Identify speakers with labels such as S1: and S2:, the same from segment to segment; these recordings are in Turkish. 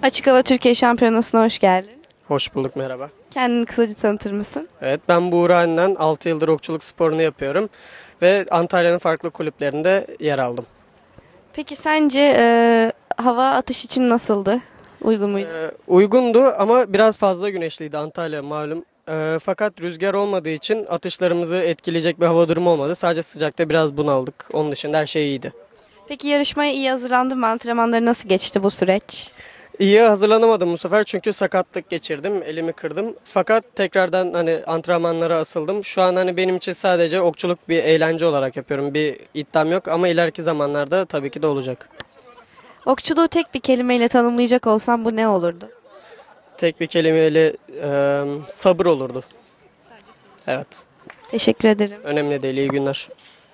S1: Açık Hava Türkiye Şampiyonası'na hoş geldin.
S2: Hoş bulduk, merhaba.
S1: Kendini kısaca tanıtır mısın?
S2: Evet, ben Buğra Enden, 6 yıldır okçuluk sporunu yapıyorum ve Antalya'nın farklı kulüplerinde yer aldım.
S1: Peki sence hava atış için nasıldı? Uygun muydu?
S2: Uygundu ama biraz fazla güneşliydi Antalya malum. Fakat rüzgar olmadığı için atışlarımızı etkileyecek bir hava durumu olmadı. Sadece sıcakta biraz bunaldık. Onun dışında her şey iyiydi.
S1: Peki yarışmaya iyi hazırlandın mı? Antrenmanları nasıl geçti bu süreç?
S2: İyi hazırlanamadım bu sefer çünkü sakatlık geçirdim, elimi kırdım. Fakat tekrardan antrenmanlara asıldım. Şu an benim için sadece okçuluk bir eğlence olarak yapıyorum. Bir iddiam yok ama ileriki zamanlarda tabii ki de olacak.
S1: Okçuluğu tek bir kelimeyle tanımlayacak olsan bu ne olurdu?
S2: Tek bir kelimeyle sabır olurdu. Evet.
S1: Teşekkür ederim.
S2: Önemli değil. İyi günler.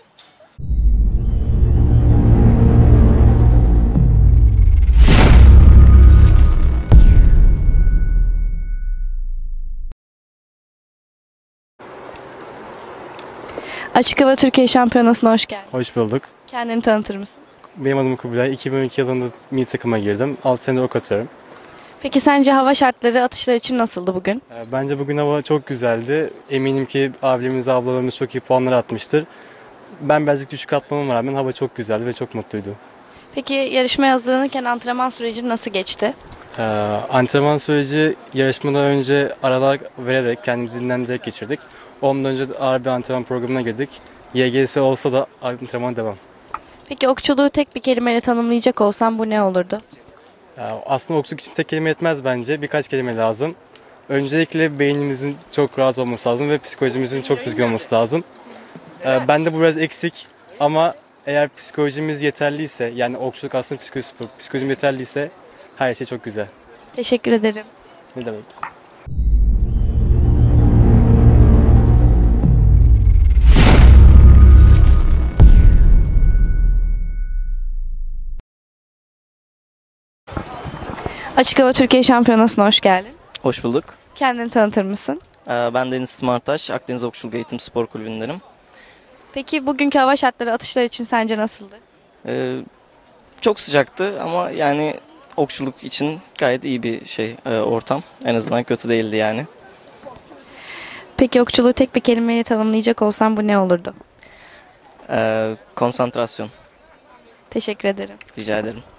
S1: Açık Hava Türkiye Şampiyonası'na hoş geldin.
S3: Hoş bulduk.
S1: Kendini tanıtır mısın?
S3: Benim adım Kubilay. 2012 yılında milli takıma girdim. 6 senedir ok atıyorum.
S1: Peki sence hava şartları atışlar için nasıldı bugün?
S3: Bence bugün hava çok güzeldi. Eminim ki abilerimiz, ablalarımız çok iyi puanlar atmıştır. Ben birazcık düşük atmama rağmen hava çok güzeldi ve çok mutluydu.
S1: Peki yarışmaya hazırlanırken antrenman süreci nasıl geçti?
S3: Antrenman süreci yarışmadan önce aralar vererek kendimizi dinlendirerek geçirdik. Ondan önce de ağır bir antrenman programına girdik. YGS olsa da antrenman devam.
S1: Peki okçuluğu tek bir kelimeyle tanımlayacak olsan bu ne olurdu?
S3: Aslında okçuluk için tek kelime yetmez bence. Birkaç kelime lazım. Öncelikle beynimizin çok rahat olması lazım ve psikolojimizin çok düzgün olması lazım. Bende bu biraz eksik ama eğer psikolojimiz yeterliyse, yani okçuluk aslında psikolojim yeterliyse her şey çok güzel.
S1: Teşekkür ederim.
S3: Ne demek?
S1: Açık Hava Türkiye Şampiyonası'na hoş geldin.
S4: Hoş bulduk.
S1: Kendini tanıtır mısın?
S4: Ben Deniz Smartaş, Akdeniz Okçuluk Eğitim Spor Kulübü'ndenim.
S1: Peki bugünkü hava şartları atışlar için sence nasıldı?
S4: Çok sıcaktı ama yani okçuluk için gayet iyi bir ortam. En azından kötü değildi yani.
S1: Peki okçuluğu tek bir kelimeyle tanımlayacak olsan bu ne olurdu?
S4: Konsantrasyon.
S1: Teşekkür ederim.
S4: Rica ederim.